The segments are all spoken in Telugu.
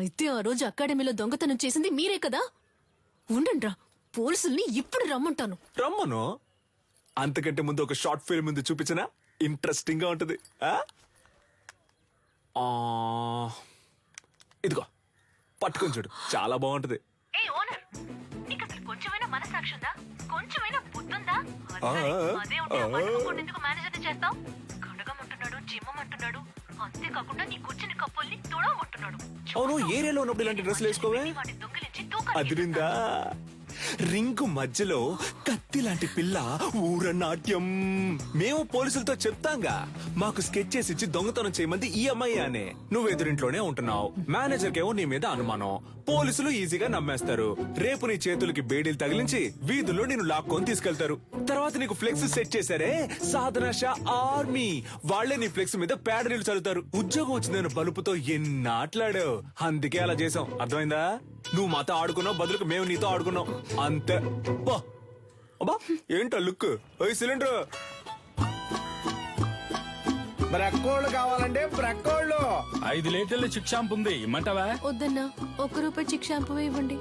అయితే ఆ రోజు అకాడమీలో దొంగతనం చేసింది మీరే కదా? ఉండండ్రా, పోలీసుల్ని ఇప్పుడు రమ్మంటాను. రమ్మను. అంతకంటే ముందు ఒక షార్ట్ ఫిల్మ్ ముందు చూపించనా? ఇంట్రెస్టింగ్ గా ఉంటది. ఇదిగో పట్టుకొని చూడు, చాలా బాగుంటది. ఏ ఓనర్, నీకు అసలు కొంచెమైనా మనసాక్షి ఉందా? కొంచెమైనా బుద్ధుందా? అదే ఉంటే ఆ పట్టుకోకుండా ఎందుకు మేనేజర్ని చేస్తావు? కడగమంటున్నాడు, జిమ్మమంటున్నాడు, అంతేకాకుండా నీ కూర్చుని కప్పుల్ని తుడవమంటున్నాడు. అవును, ఏరియాలో ఉన్నప్పుడు ఇలాంటి డ్రెస్సులు వేసుకోవే? వాటిని దొంగిలించి తూకాలు అదిరిందా? రింగు మధ్యలో కత్తి లాంటి పిల్ల ఊరనాట్యం. మేము పోలీసులతో చెప్తాంగా, మాకు స్కెచ్ చేసి ఇచ్చి దొంగతనం చేయమంది ఈ అమ్మాయి అనే. నువ్వు ఎదురింట్లోనే ఉంటున్నావు, మేనేజర్ కేమో నీ మీద అనుమానం. పోలీసులు ఈజీగా నమ్మేస్తారు. రేపు నీ చేతులకి బేడీలు తగిలించి వీధుల్లో నేను లాక్కొని తీసుకెళ్తారు. తర్వాత నీకు ఫ్లెక్స్ సెట్ చేశారే, సాధన షా ఆర్మీ, వాళ్లే నీ ఫ్లెక్స్ మీద పేడ నీళ్లు చల్లుతారు. ఉద్యోగం వచ్చిందని బలుపుతో ఎన్నాట్లాడావు, అందుకే అలా చేసాం. అర్థమైందా? నువ్వు మాతో ఆడుకున్నావు, బదులుకు మేము నీతో ఆడుకున్నాం అంతే. అబ్బా ఏంటో లుక్. సిలిండర్ బ్రక్కోళ్ళు కావాలంటే బ్రక్కోళ్ళు. 5 లీటర్ల చిక్ షాంపూ ఉంది, ఇమ్మంటావా? వద్దన్నా, ₹1 చిక్ షాంపూ ఇవ్వండి.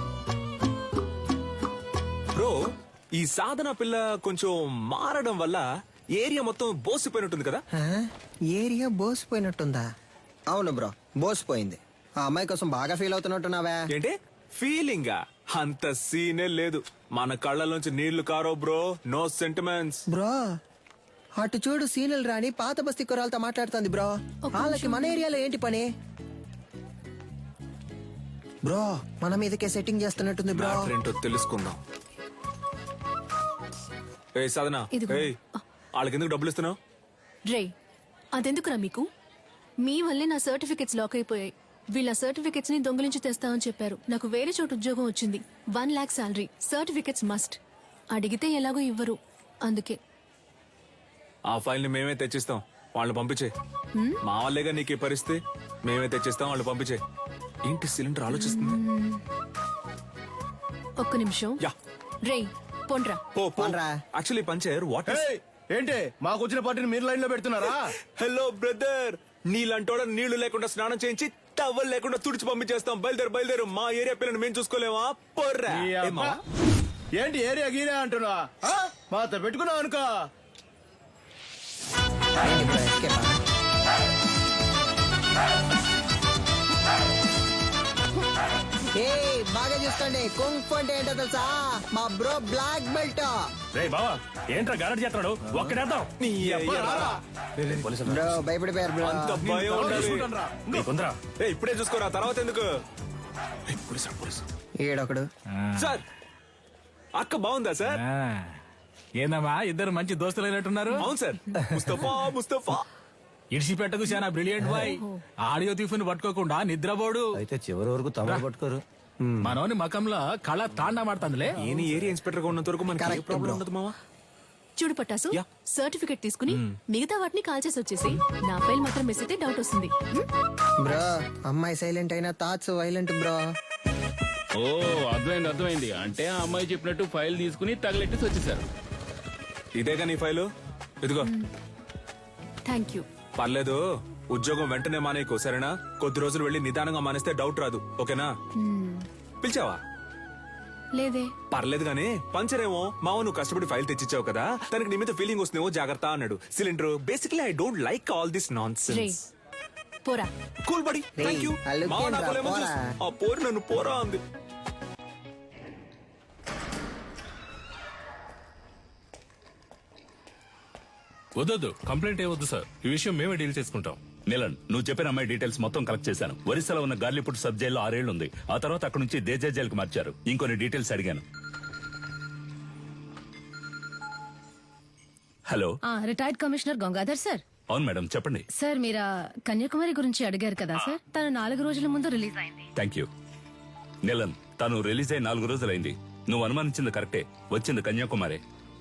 బ్రో, ఈ సాధన పిల్ల కొంచెం మారడం వల్ల ఏరియా మొత్తం బోసిపోయినట్టుంది కదా? ఏరియా బోసిపోయినట్టుందా? అవును బ్రో, బోసిపోయింది. ఆ అమ్మాయి కోసం బాగా ఫీల్ అవుతున్నట్టున్నావే. ఏంటి ఫీలింగ్? అంత సీనే లేదు. మన కళ్ళలోంచి నీళ్లు కారో బ్రో. No sentiments bro. అటు చూడు, సీనియల్ రాణి పాత బస్తీ కుర్రాలతో మాట్లాడుతుంది బ్రో. వాళ్ళకి మన ఏరియాలో ఏంటి పని బ్రో? మన మీదకే సెట్టింగ్ చేస్తున్నట్టుంది బ్రో. ఏంటో తెలుసుకుందాం. ఏ సాధన, ఇదిగో. వాళ్ళకి ఎందుకు డబ్బులు ఇస్తున్నావు? రే, అదెందుకురా మీకు? మీ వల్లే నా సర్టిఫికెట్స్ లాక్ అయిపోయాయి. వీళ్ళ సర్టిఫికెట్స్ ని దొంగిలించి తెస్తామని చెప్పారు. నాకు వేరే చోటు ఉద్యోగం వచ్చింది. 1 lakh శాలరీ. Certificates must. అడిగితే ఎలాగో ఇవ్వరు, అందుకే. ఆ ఫైల్ ని మేమే తెచ్చిస్తాం, వాళ్ళు పంపించే. మా వాళ్ళేగా నీకు ఈ పరిస్థితి. మేమే తెచ్చిస్తాం, వాళ్ళు పంపించే. ఏంటి సిలిండర్ ఆలోచిస్తుంది? ఒక్క నిమిషం. యా. రే, పొండ్రా. పోన్రా. Actually puncture what is? ఏయ్, ఏంటి మాకు వచ్చిన పార్టీని మీరు లైన్ లో పెడుతున్నారా? హలో బ్రదర్, నీళ్ళంటోడ నీళ్లు లేకుండా స్నానం చేయించి టవల్ లేకుండా తుడిచి పంపించేస్తాం. బయలుదేరు. మా ఏరియా పిల్లని మేము చూసుకోలేమా? పొర్రా. ఈ అబ్బా. ఏంటి ఏరియా గీరియా అంటున్నా? మాతో పెట్టుకున్నావు అనుకో. ఏంటి బ్రో, escape ఆ? ఏయ్, బాగా చూసుకోండి. కుంఫ్ అంటే ఏంటో తెలుసా? మా బ్రో బ్లాక్ బెల్ట్. రే బావా, ఏంట్రా గారడి చేస్తున్నాడు? ఒక్కడేద్దాం. నీ అయ్యా. బ్రో భయపడిపోయారు బ్రో. అంత భయం ఉండాలి. నీకుందరా? ఇప్పుడే చూసుకోరా, తర్వాత ఎందుకు? ఏడొకడు. సార్, అక్క బాగుందా సార్? ఏందమ్మా, ఇద్దరు మంచి దోస్తులైనట్టున్నారు. అవును సార్. ముస్తఫా ఇడిసిపెట్టకు చాలా బ్రిలియంట్ బాయ్. ఆడియో తీఫుని పట్టుకోకుండా నిద్రపోడు. అయితే చివరి వరకు తమరు పట్టుకోరు. మనోని మకంలో కళ తాండా మాడుతుందిలే. ఏని ఏరియా ఇన్స్పెక్టర్ గా ఉన్నంత వరకు మనకి ఏ Correct, ప్రాబ్లం bro. ఉండదు మావా. చూడు పట్టాసు, యా. సర్టిఫికెట్ తీసుకుని మిగతా వాటిని కాల్ చేసి వచ్చేసి నా ఫైల్ మాత్రం మిస్ అయితే డౌట్ వస్తుంది. బ్రో, అమ్మాయి సైలెంట్ అయినా థాట్స్ వైలెంట్ బ్రో. ఓ, అర్థమైంది. అంటే ఆ అమ్మాయి చెప్పినట్టు ఫైల్ తీసుకుని తగలెట్టేసి వచ్చేసారు. ఇదేగా నీ ఫైలు, ఇదిగో. Thank you. పర్లేదు, ఉద్యోగం వెంటనే మానేయకు, సరేనా? కొద్ది రోజులు వెళ్ళి నిదానంగా మానేస్తే డౌట్ రాదు, ఓకేనా? పిలిచావా? లేదే. పర్లేదు గానీ, పంచరేమో మావ నువ్వు కష్టపడి ఫైల్ తెచ్చిచ్చావు కదా, తనకి నీ మీద ఫీలింగ్ వస్తుందేమో, జాగ్రత్త అన్నాడు. Cylinder, basically I don't like all this non రే, సెన్స్. పోరా. Cool buddy, thank you. ఆ look మావ ఏంట్రా, నాకు lemon పోరా. juice. ఆ పోరు నన్ను పోరా అంది. వద్దు, కంప్లైంట్ ఏవద్దు సార్. ఈ విషయం మేమే డీల్ చేసుకుంటాం. నీలన్, నువ్వు చెప్పిన అమ్మాయి డీటెయిల్స్ మొత్తం కలెక్ట్ చేశాను. ఒరిస్సాలో ఉన్న గార్లీపుట్ సబ్ జైల్లో 6 ఏళ్లు ఉంది. ఆ తర్వాత అక్కడ నుంచి దేజా జైలుకి మార్చారు. ఇంకొన్ని డీటెయిల్స్ అడిగాను. Hello, retired commissioner Gangadhar sir. అవును మేడం, చెప్పండి. సార్, మీరు కన్యాకుమారి గురించి అడిగారు కదా సార్. తను 4 రోజుల ముందు రిలీజ్ అయింది. Thank you. నీలన్, తను రిలీజ్ అయి 4 రోజులైంది. నువ్వు అనుమానించింది కరెక్టే, వచ్చింది కన్యాకుమారి.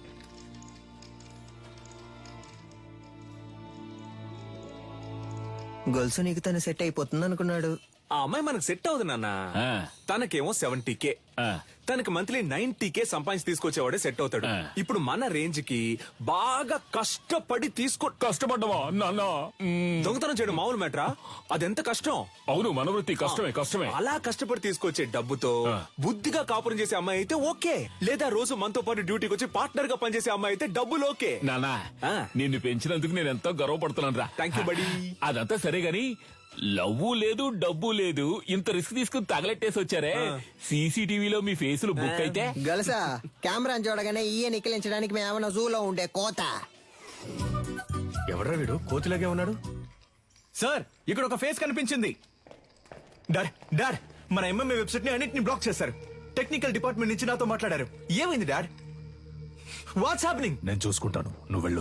గొలుసు నీకు తను సెట్ అయిపోతుంది అనుకున్నాడు. ఆ అమ్మాయి మనకు సెట్ అవుతుంది నాన్న. తనకేమో 70K, తనకి మంత్లీ 90K సంపాదించి తీసుకొచ్చేవాడే సెట్ అవుతాడు. ఇప్పుడు మన రేంజ్ కి బాగా కష్టపడి కష్టపడ్డవా నాన్న దొంగతనం చేయడం మామూలు మ్యాటరా? అదెంత కష్టం. అవును మన వృత్తి కష్టమే అలా కష్టపడి తీసుకొచ్చే డబ్బుతో బుద్ధిగా కాపురం చేసే అమ్మాయి అయితే ఓకే, లేదా రోజు మనతో పాటు డ్యూటీకి వచ్చి పార్ట్నర్ గా పనిచేసే అమ్మాయి అయితే డబ్బులు ఓకే. నానా నిన్ను పెంచినందుకు నేను ఎంతో గర్వపడుతున్నాను రా. థ్యాంక్ యూ బడి. అదంతా సరే గాని లవ్వు లేదు డబ్బు లేదు ఇంత రిస్క్ తీసుకుని తగలెట్టేసి వచ్చారే. సీసీటీవీలో మీ ఫేసులు బుక్ అయితే గలసా కెమెరా చూడగానే ఈయ నిక్కిలించడానికి మేమన్నా జూలో ఉండే కోత. ఎవడ్రా వీడు కోతిలాగే ఉన్నాడు? సార్ ఇక్కడ ఒక ఫేస్ కనిపించింది. డాడ్ డాడ్ మన ఎంఎంఏ వెబ్సైట్ ని అన్నిటిని బ్లాక్ చేశారు. టెక్నికల్ డిపార్ట్మెంట్ నుంచి నాతో మాట్లాడారు. ఏమైంది డాడ్? What's happening? నేను చూసుకుంటాను, నువ్వు వెళ్ళు.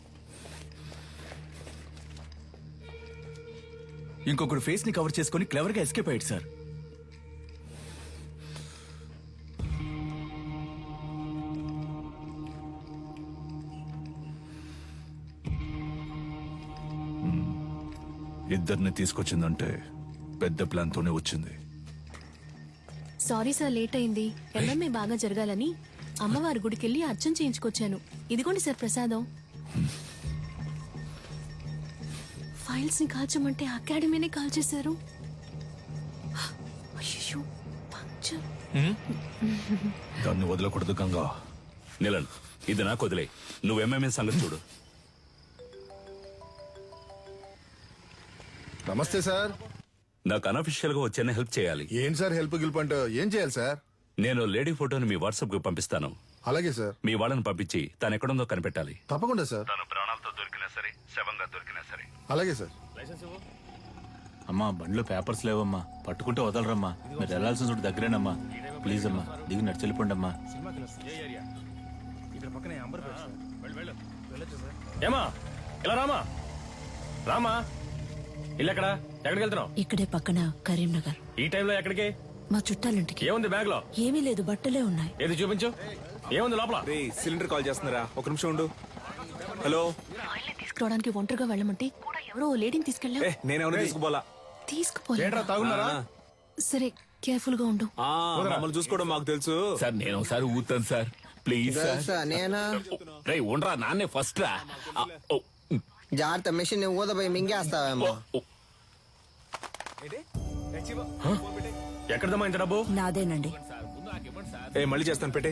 ఇంకొకడు ఫేస్ ని కవర్ చేసుకుని క్లవర్ గా ఎస్కేప్ అయ్యాడు సార్. ఇద్దరిని తీసుకొచ్చిందంటే పెద్ద ప్లాన్ తోనే వచ్చింది. సారీ సార్, లేట్ అయింది. ఎంఎంఏ బాగా జరగాలని అమ్మవారి గుడికెళ్ళి అర్చన చేయించుకొచ్చాను. ఇదిగోండి సార్ ప్రసాదం. ఫైల్స్ ని కాల్చమంటే అకాడమీనే కాల్చేశారు. అయ్యో పంక్చర్. దాన్ని వదలకూడదు గంగా. నిలన్, ఇది నాకు వదిలే. నువ్వు ఎంఎంఏ సంగతి చూడు. నమస్తే సార్. నాకు అనఫిషియల్ గా వచ్చేనే హెల్ప్ చేయాలి. ఏం సార్ హెల్ప్ గిల్ప్ అంటే ఏం చేయాలి సార్? నేను లేడీ ఫోటోని మీ వాట్సాప్ కు పంపిస్తాను. అలాగే సార్. మీ వాళ్ళని పంపించి తను ఎక్కడుందో కనిపెట్టాలి. తప్పకుండా సార్. తను ప్రాణాలతో దొరికినా సరే, శవంగా దొరికినా సరే. అలాగే సార్. అమ్మా బండిలో పేపర్స్ లేవమ్మా, పట్టుకుంటే వదలరమ్మా. మీరు వెళ్లాల్సిన చోటు దగ్గరేనమ్మా. ప్లీజ్ అమ్మా దిగి నడిచెళ్ళిపోండి అమ్మా. ఏమా ఇలా రామా రామా. ఇల్లు ఎక్కడా? ఎక్కడికి వెళ్తున్నావు? ఇక్కడే పక్కన కరీంనగర్. ఈ టైంలో ఎక్కడికి? మా చుట్టాలింటికి. ఏముంది బ్యాగ్ లో? ఏమీ లేదు, బట్టలే ఉన్నాయి. ఏది చూపించు. ఏముంది లోపల? రే సిలిండర్ కాల్ చేస్తున్నారా? ఒక నిమిషం ఉండు. హలో. తీసుకురావడానికి ఒంటరిగా వెళ్ళమంటే కూడా ఎవరో ఓ లేడీని తీసుకెళ్ళా. నేనేమన్నా తీసుకుపోలా. తీసుకుపోలే. తాగున్నారా? సరే, కేర్ఫుల్ గా ఉండు. మమ్మల్ని చూసుకోవడం మాకు తెలుసు. సార్ నేను ఒకసారి ఊతాను సార్, ప్లీజ్ సార్. గలసా నేనా? రే ఉండరా, నాన్నే ఫస్ట్ రా. ఓ, జాగ్రత్త, మిషన్ ఊదపోయి మింగేస్తావేమో. ఓ. ఎక్కడదమ్మా ఇంత డబ్బు? నాదేనండి. మళ్ళీ చేస్తాను, పెట్టే.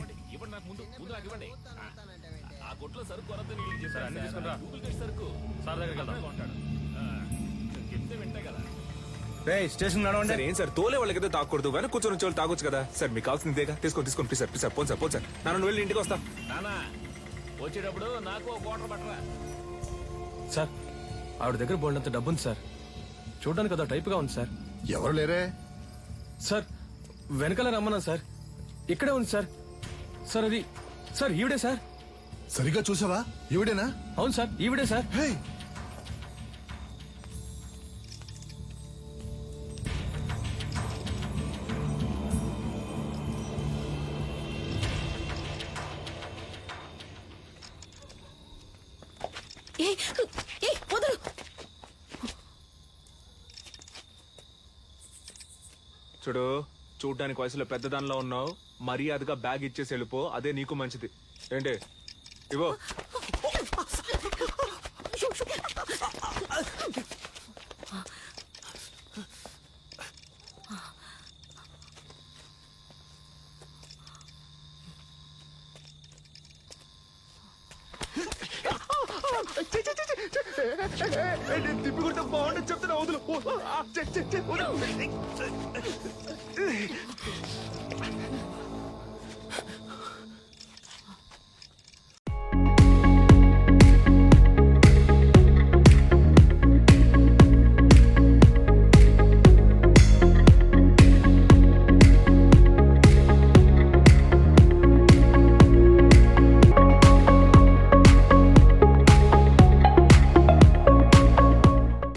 స్టేషన్ నడవండి. సార్ ఏం సార్ తోలే వాళ్ళకైతే తాకూడదు, వెనక కూర్చొని వచ్చే వాళ్ళు తాగొచ్చు కదా సార్. మీకు కావాల్సిందేగా, తీసుకోండి ప్లీజ్ సార్. ప్లీజ్ సార్, పోను సార్, పోను సార్. నన్ను వెళ్ళి ఇంటికి వస్తా. నానా వచ్చేటప్పుడు నాకు ఒక వాటర్ పట్టరా. సార్ ఆవిడ దగ్గర బోల్డంత డబ్బు ఉంది సార్. చూడడానికి అదో టైప్ గా ఉంది సార్. ఎవరు లేరే? సార్ వెనకాల రమ్మన్నా సార్. ఇక్కడే ఉంది సార్. సార్ అది సార్ ఈవిడే సార్. సరిగ్గా చూసావా? ఈవిడేనా? అవును సార్ ఈవిడే సార్. హే, వదలు. చూడు, చూడ్డానికి వయసులో పెద్దదానిలో ఉన్నావు. మర్యాదగా బ్యాగ్ ఇచ్చేసి వెళ్ళిపో, అదే నీకు మంచిది. ఏంటి ఇవో. తిప్పికుంటే బాగుంటుంది చెప్తున్నా. వదులు.